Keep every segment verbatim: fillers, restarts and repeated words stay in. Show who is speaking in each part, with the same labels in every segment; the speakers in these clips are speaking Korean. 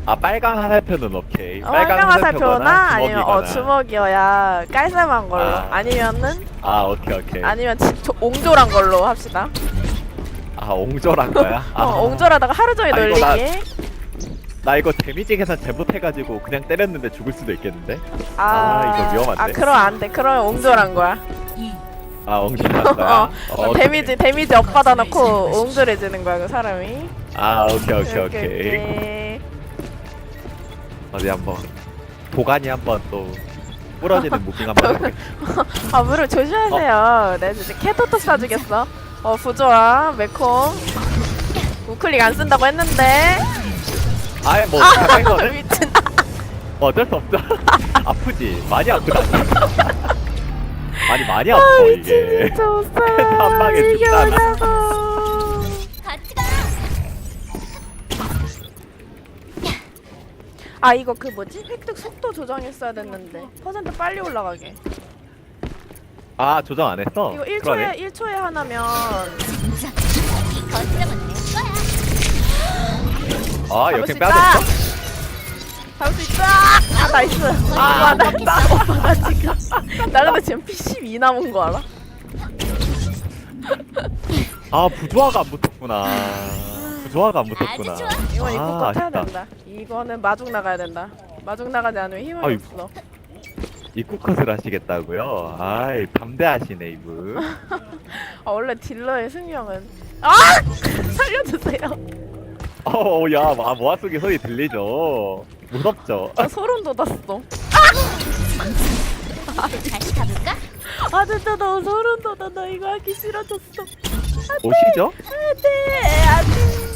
Speaker 1: 아 빨강 화살표는 오케이.
Speaker 2: 어, 빨강 화살표나 아니면 어
Speaker 1: 주먹이거나.
Speaker 2: 주먹이어야 깔쌈한 걸로.
Speaker 1: 아.
Speaker 2: 아니면은
Speaker 1: 아 오케이 오케이.
Speaker 2: 아니면 지, 저, 옹졸한 걸로 합시다.
Speaker 1: 아 옹졸한 거야? 아,
Speaker 2: 어 옹졸하다가 하루 종일
Speaker 1: 아, 이거
Speaker 2: 놀리기.
Speaker 1: 나- 나 이거 데미지 계산 잘못해가지고 그냥 때렸는데 죽을 수도 있겠는데?
Speaker 2: 아,
Speaker 1: 아, 이거 위험한데?
Speaker 2: 아 그럼 안 돼. 그러면 옹졸한 거야.
Speaker 1: 아 옹졸한 거야?
Speaker 2: 어,
Speaker 1: 어,
Speaker 2: 데미지 데미지 업 받아놓고 옹졸해지는 거야 그 사람이.
Speaker 1: 아 오케이 오케이 오케이.
Speaker 2: 오케이.
Speaker 1: 어디 한번 도가니 한번 또 부러지는 무빙 한번 해볼게.
Speaker 2: 아 물을 조심하세요. 내가 진짜 캐토토 쏴주겠어. 어 부조아 매콤. 우클릭 안 쓴다고 했는데.
Speaker 1: 아예 뭐 가까이 거는
Speaker 2: 미친.
Speaker 1: 어쩔 수 없죠. 아프지? 많이 아프다. 아니 많이 아파
Speaker 2: 아
Speaker 1: 이게.
Speaker 2: 미친 진짜 못
Speaker 1: 한 방에
Speaker 2: 살아. 이게
Speaker 1: 죽잖아.
Speaker 2: 뭐냐고. 아 이거 그 뭐지? 획득 속도 조정했어야 됐는데 퍼센트 빨리 올라가게.
Speaker 1: 아 조정 안 했어?
Speaker 2: 이거 일 초에
Speaker 1: 그러네.
Speaker 2: 일 초에 하나면
Speaker 1: 아
Speaker 2: 잡을
Speaker 1: 역행
Speaker 2: 수 있다.
Speaker 1: 빼야겠어?
Speaker 2: 잡을 수 있다. 아 나이스. 아 나이스. 오빠가 지금 나 근데 지금 피 십이 남은 거 알아?
Speaker 1: 아 부조화가 안 붙었구나. 부조화가 안 붙었구나.
Speaker 2: 이건 입구
Speaker 1: 아,
Speaker 2: 컷 해야
Speaker 1: 아쉽다.
Speaker 2: 된다. 이거는 마중 나가야 된다. 마중 나가지 않으면 힘이
Speaker 1: 아이,
Speaker 2: 없어.
Speaker 1: 입구 컷을 하시겠다고요? 아이 담대하시네 이분.
Speaker 2: 아 원래 딜러의 승명은 아 살려주세요.
Speaker 1: 어야 아, 모아쓰기 소리 들리죠? 무섭죠?
Speaker 2: 아 소름 돋았어.
Speaker 3: 다시 가볼까?
Speaker 2: 아 진짜 너무 소름 돋아. 나 이거 하기 싫어졌어.
Speaker 1: 오시죠?
Speaker 2: 안돼 안돼.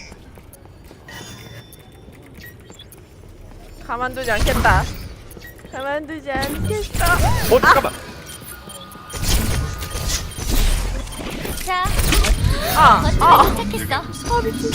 Speaker 2: 가만두지 않겠다. 가만두지 않겠어.
Speaker 1: 어 잠깐만.
Speaker 3: 자,
Speaker 2: 아 아.
Speaker 3: 거점에 도착했어.
Speaker 2: 아 미친.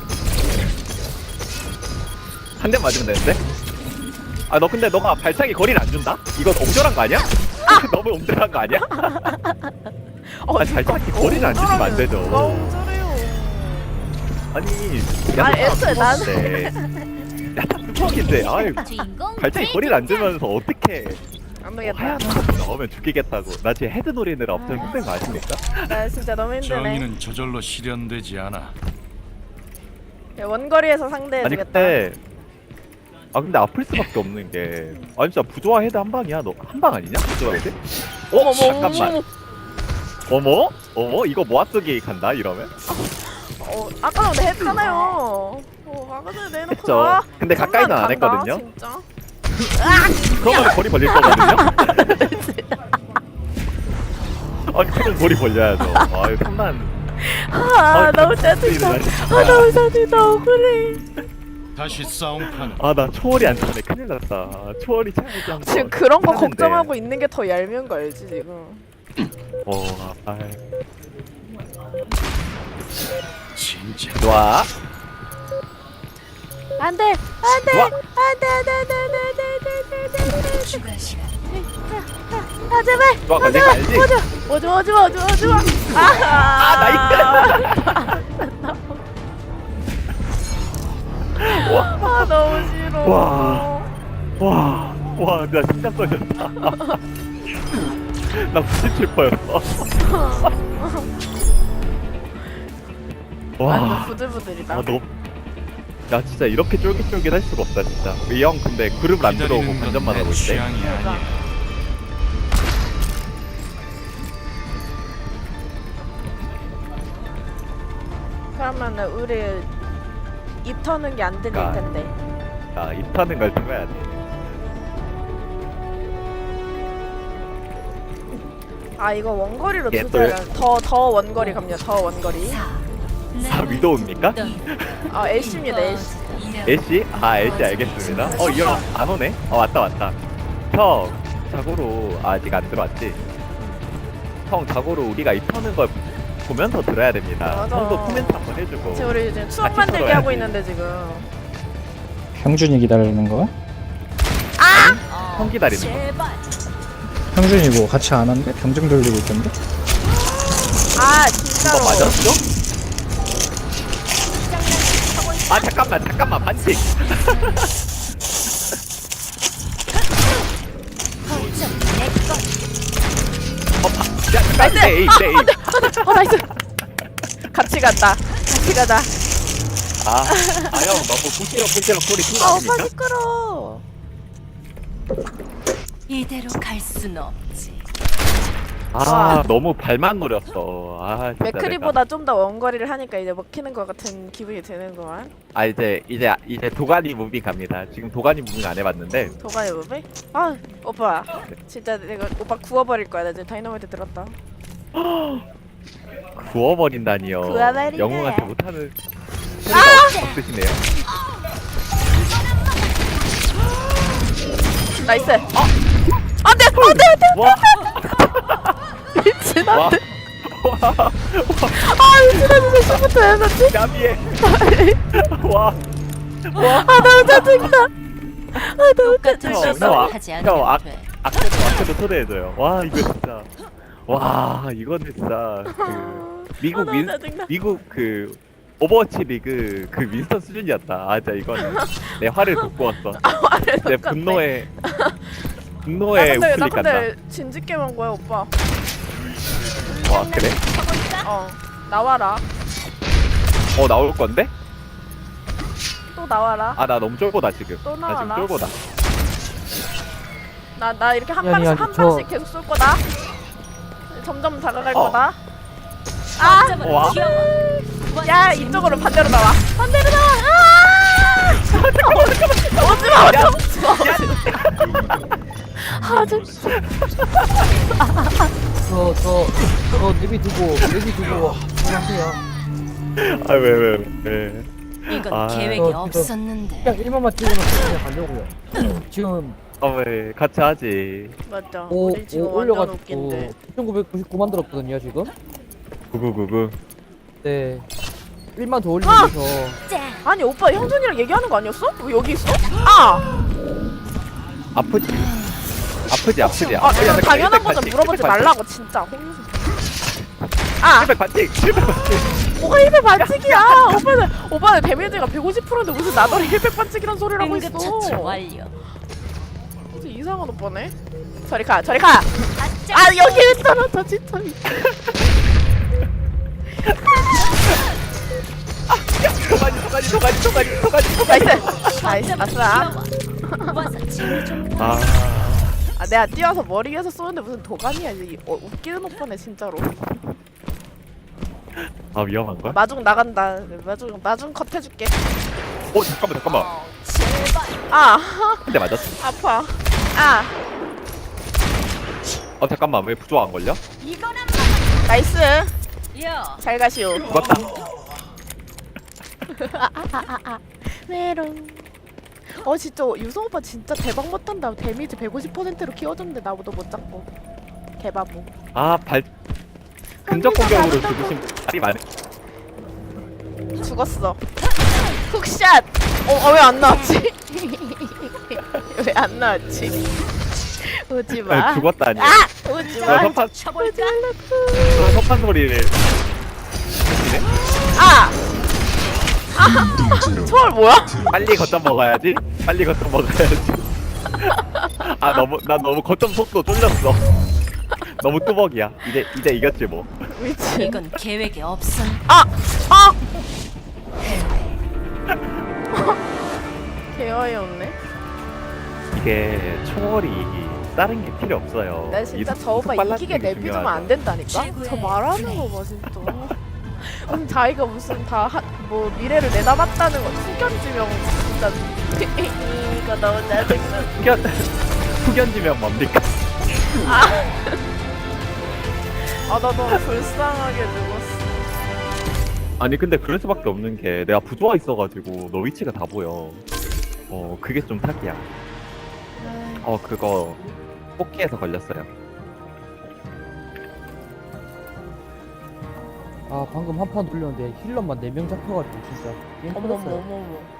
Speaker 1: 한 대 맞으면 되는데? 아 너 근데 너가 발차기 거리를 안 준다? 이건 옹졸한 거 아니야? 너무 옹졸한 거 아니야?
Speaker 2: 어,
Speaker 1: 아, 발차기 거리를 안 주시면 안 되죠.
Speaker 2: 누가 옹졸해요.
Speaker 1: 아니
Speaker 2: 아, 애초에
Speaker 1: 나는 야다 뚜벅인데 아유
Speaker 3: 주인공
Speaker 1: 발차기 거리를 안 주면서 어떻게
Speaker 2: 안
Speaker 1: 뭐
Speaker 2: 되겠다.
Speaker 1: 하얀 거 나오면 죽이겠다고. 나 지금 헤드 노리느라 엄청 힘든 거 아십니까?
Speaker 2: 나 진짜 너무 힘드네.
Speaker 4: 정의는 저절로 실현되지 않아.
Speaker 2: 야, 원거리에서 상대해
Speaker 1: 아니
Speaker 2: 주겠다.
Speaker 1: 근데 아 근데 아플 수밖에 없는 게 아니 진짜 부조화 헤드 한 방이야. 너 한 방 아니냐? 부조화 헤드? 어?
Speaker 2: 어머,
Speaker 1: 잠깐만. 어머? 어머? 이거 모아쓰기 간다 이러면?
Speaker 2: 어, 아까 전에 했잖아요. 어, 아까 전에 내놓고
Speaker 1: 했죠.
Speaker 2: 나.
Speaker 1: 근데 가까이는 안
Speaker 2: 간다,
Speaker 1: 했거든요?
Speaker 2: 진짜.
Speaker 1: 그러면 거리 벌릴 거거든요? 아니 그럼 거리 벌려야죠. 아유 삼만.
Speaker 2: 아,
Speaker 1: 아,
Speaker 2: 너무
Speaker 1: 진짜
Speaker 2: 짜증나.
Speaker 1: 진짜.
Speaker 2: 아, 너무 짜증나. 억울해.
Speaker 4: 다시 싸움판.
Speaker 1: 아 나 초월이 안 차네. 큰일 났다. 초월이 차야지 한 번.
Speaker 2: 지금 그런 거
Speaker 1: 하는데.
Speaker 2: 걱정하고 있는 게 더 얄미운 거 알지 지금?
Speaker 1: 어, 아,
Speaker 4: 진짜.
Speaker 1: 좋아.
Speaker 2: 안 돼, 안 돼,
Speaker 1: 좋아.
Speaker 2: 안 돼, 안 돼, 안 돼, 안 돼, 안 돼, 안 돼, 안 돼, 안 돼.
Speaker 3: 추가 시간.
Speaker 2: 아 제발.
Speaker 1: 좋아,
Speaker 2: 아
Speaker 1: 걸린 거
Speaker 2: 제발.
Speaker 1: 알지?
Speaker 2: 오지 마, 오지 마, 오지 마, 오지 마. 아, 아 너무 싫어.
Speaker 1: 와. 와, 와, 나 심장 떨렸다. 나 구십칠 퍼였어.
Speaker 2: 아,
Speaker 1: 와,
Speaker 2: 부들부들이다.
Speaker 1: 아, 너, 야, 진짜 이렇게 쫄깃쫄깃할 수가 없다, 진짜. 이 형, 근데 그룹을 안 들어오고
Speaker 4: 기다리는
Speaker 1: 관전만
Speaker 4: 건내
Speaker 1: 하고 있대.
Speaker 4: 취향이
Speaker 2: 그러니까.
Speaker 4: 아니야.
Speaker 2: 그러면은 우리 입 터는 게 안 들릴
Speaker 1: 아.
Speaker 2: 텐데.
Speaker 1: 자, 입 타는 걸 들어야 돼.
Speaker 2: 아 이거 원거리로
Speaker 1: 예,
Speaker 2: 두자야.
Speaker 1: 또-
Speaker 2: 더더 원거리 갑니다. 더 원거리.
Speaker 1: 아, 위도우입니까?
Speaker 2: 아 애쉬입니다. 애쉬.
Speaker 1: 애쉬? 아, 애쉬 알겠습니다. 어, 이 형 안 오네? 어, 왔다, 왔다. 형, 자고로 아직 안 들어왔지? 형, 자고로 우리가 입 터는 걸 보면서 들어야 됩니다.
Speaker 2: 맞아.
Speaker 1: 형도 코멘트 한번 해주고.
Speaker 2: 지금 우리 지금 추억
Speaker 1: 같이
Speaker 2: 만들기
Speaker 1: 풀어야지.
Speaker 2: 하고 있는데 지금.
Speaker 5: 형준이 기다리는 거야?
Speaker 1: 형 기다리는 거.
Speaker 3: 제발.
Speaker 5: 형준이 뭐 같이 안 한대? 병정 돌리고 있던데?
Speaker 2: 아
Speaker 1: 이거
Speaker 2: 진짜로.
Speaker 1: 맞았죠?
Speaker 2: 하고 있어.
Speaker 1: 아 잠깐만 잠깐만 반칙.
Speaker 3: 거점 내꺼.
Speaker 1: 어, 바, 야,
Speaker 2: 나이스!
Speaker 1: 네,
Speaker 2: 아,
Speaker 1: 네.
Speaker 2: 안 돼! 안 돼! 어, 나이스! 같이 간다. 같이 가자.
Speaker 1: 아, 아 형 너무 부시럭 부시럭 소리 큰거
Speaker 2: 아, 오빠
Speaker 1: 아닙니까?
Speaker 2: 시끄러워.
Speaker 3: 이대로 갈 순 없지.
Speaker 1: 아 너무 발만 노렸어. 아 진짜
Speaker 2: 맥크리보다 좀 더 원거리를 하니까 이제 먹히는 것 같은 기분이 드는구만.
Speaker 1: 내가. 아 이제 이제 이제 도가니 무빙 갑니다. 지금 도가니 무빙 안 해봤는데
Speaker 2: 도가니 무비? 아, 오빠. 진짜 내가 오빠 구워버릴 거야. 나 지금 다이너마이트 들었다.
Speaker 1: 구워버린다니요.
Speaker 2: 구워버리네.
Speaker 1: 영웅한테 못하는 소리가 없으시네요.
Speaker 2: 나이스. 어! 안 돼! 안 돼! 안 돼!
Speaker 1: 와,
Speaker 2: 미친,
Speaker 1: 와,
Speaker 2: 안 돼!
Speaker 1: 와,
Speaker 2: 아, 미친, 나 진짜 시부터 해놨지?
Speaker 1: 야비해. 와, 와.
Speaker 2: 아, 너무 짜증나. 아, 너무
Speaker 3: 똑같은
Speaker 1: 형,
Speaker 3: 실수를
Speaker 1: 형,
Speaker 3: 하지
Speaker 1: 형,
Speaker 3: 않으면
Speaker 1: 아,
Speaker 3: 돼.
Speaker 1: 아껴도 아껴도 초대해줘요. 와 이거 진짜. 와 이거는 진짜 그
Speaker 2: 아,
Speaker 1: 미국
Speaker 2: 너무
Speaker 1: 민
Speaker 2: 짜증나.
Speaker 1: 미국 그 오버워치 리그 그 윈스턴 수준이었다. 아 진짜 이거는 내 화를 돋구었어. 내 분노에
Speaker 2: 나
Speaker 1: 분노에
Speaker 2: 근데, 나
Speaker 1: 우클릭 간다.
Speaker 2: 근데 진지게임 한 거야, 오빠.
Speaker 1: 와 그래?
Speaker 2: 어, 나와라.
Speaker 1: 어 나올 건데?
Speaker 2: 또 나와라.
Speaker 1: 아 나 너무 쫄보다 지금.
Speaker 2: 또
Speaker 1: 나 지금
Speaker 2: 나와라.
Speaker 1: 쫄보다.
Speaker 2: 나, 나 이렇게 한
Speaker 5: 아니,
Speaker 2: 방씩,
Speaker 5: 아니,
Speaker 2: 한
Speaker 5: 저-
Speaker 2: 방씩 계속 쏠 거다. 점점 다가갈
Speaker 1: 어.
Speaker 2: 거다. 아!
Speaker 3: 거점으로
Speaker 1: 와.
Speaker 3: 튀어와.
Speaker 2: 야, 이쪽으로 반대로 나와. 반대로 나와. 아! 오지 마, 오지 마, 오지 마. 아, 진짜.
Speaker 6: 저, 저, 저 내비 두고, 내비 두고, 하세요.
Speaker 1: 아왜 왜 왜?
Speaker 3: 이건
Speaker 1: 아.
Speaker 3: 계획이
Speaker 6: 어, 이거-
Speaker 3: 없었는데.
Speaker 6: 그냥 일만만 찍어놓고 그냥 가려고요. 지금
Speaker 1: 아왜 같이 하지.
Speaker 2: 맞죠.
Speaker 6: 오,
Speaker 2: 우리 지금
Speaker 6: 오
Speaker 2: 완전
Speaker 6: 올려가지고
Speaker 2: 웃긴데.
Speaker 6: 구천구백구십구 만들었거든요, 지금.
Speaker 1: 구구구구.
Speaker 6: 네. 일만 더 올리면서.
Speaker 3: 짠.
Speaker 2: 아니, 오빠 형준이랑 얘기하는 거 아니었어? 왜 여기 있어? 아!
Speaker 1: 아프지? 아프지 아프지.
Speaker 2: 아,
Speaker 1: 아프지.
Speaker 2: 그냥 당연한 거 좀 물어보지 말라고, 진짜. 아!
Speaker 1: 칠백 반칙. 칠백 반칙.
Speaker 2: 뭐가 일백 반칙이야! 오빠는, 오빠는 데미지가 백오십 퍼센트인데 무슨 나더러 일백 반칙이란 소리를 하고 있어.
Speaker 3: 응급처치 완료.
Speaker 2: 진짜 이상한 오빠네. 저리 가, 저리 가! 아, 여기 왜 떨어져, 진짜.
Speaker 1: 도가니 도가니 도가니 도가니 도가니 도가니.
Speaker 2: 나이스! 나이스, 아싸.
Speaker 3: 와서 재미 좀 봐.
Speaker 1: 아.
Speaker 2: 아, 내가 뛰어서 머리 위에서 쏘는데 무슨 도가니야. 이 어, 웃기는 오빠네, 진짜로.
Speaker 1: 아 위험한 거야?
Speaker 2: 마중 나간다. 마중, 마중 컷 해줄게.
Speaker 1: 어 잠깐만 잠깐만.
Speaker 3: 제발.
Speaker 2: 아,
Speaker 1: 근데 맞았어.
Speaker 2: 아파. 아,
Speaker 1: 어 잠깐만 왜 부조화 안 걸려?
Speaker 3: 이거나
Speaker 2: 나이스.
Speaker 3: 야.
Speaker 2: 잘 가시오.
Speaker 1: 죽었다.
Speaker 2: 메롱. 어, 진짜 유성 오빠 진짜 대박 못한다. 데미지 백오십 퍼센트로 키워줬는데 나보다 못 잡고. 개바보.
Speaker 1: 아발 근접 공격으로 죽으신 분이 많네.
Speaker 2: 죽었어. 훅샷. 어, 어 왜 안 나왔지? 왜 안 나왔지? 오지 마.
Speaker 1: 죽었다니.
Speaker 2: 아, 오지
Speaker 1: 너
Speaker 2: 마.
Speaker 1: 석판
Speaker 3: 쳐볼까?
Speaker 1: 너 석판 소리를.
Speaker 2: 아. 아, 초월 뭐야?
Speaker 1: 빨리 거점 먹어야지. 빨리 거점 먹어야지. 아 너무 나 너무 거점 속도 쫄렸어. 너무 뚜벅이야. 이제 이제 이겼지 뭐.
Speaker 2: 미친.
Speaker 3: 이건 계획이 없었.
Speaker 2: 아, 아. 개어이 없네.
Speaker 1: 이게 초월이 다른 게 필요 없어요.
Speaker 2: 나 진짜
Speaker 1: 이
Speaker 2: 저 오빠
Speaker 1: 속 빨라지는
Speaker 2: 이기게
Speaker 1: 게
Speaker 2: 내비두면
Speaker 1: 중요하죠.
Speaker 2: 안 된다니까?
Speaker 3: 최고의
Speaker 2: 저 말하는 거 봐 진짜. 무슨 자기가 무슨 다 뭐 미래를 내다봤다는 거 후견지명 진짜. 이거 너무 짜증나.
Speaker 1: 후견 후견지면 뭡니까?
Speaker 2: 아, 나 너무 불쌍하게 죽었어.
Speaker 1: 아니 근데 그럴 수밖에 없는 게 내가 부조화 있어가지고 너 위치가 다 보여. 어 그게 좀 사기야. 어 그거 뽑기에서 걸렸어요.
Speaker 6: 아, 방금 한 판 돌렸는데 힐러만 네 명 잡혀가지고, 진짜. 게임
Speaker 2: 어머머
Speaker 6: 끝났어요.
Speaker 2: 어머머.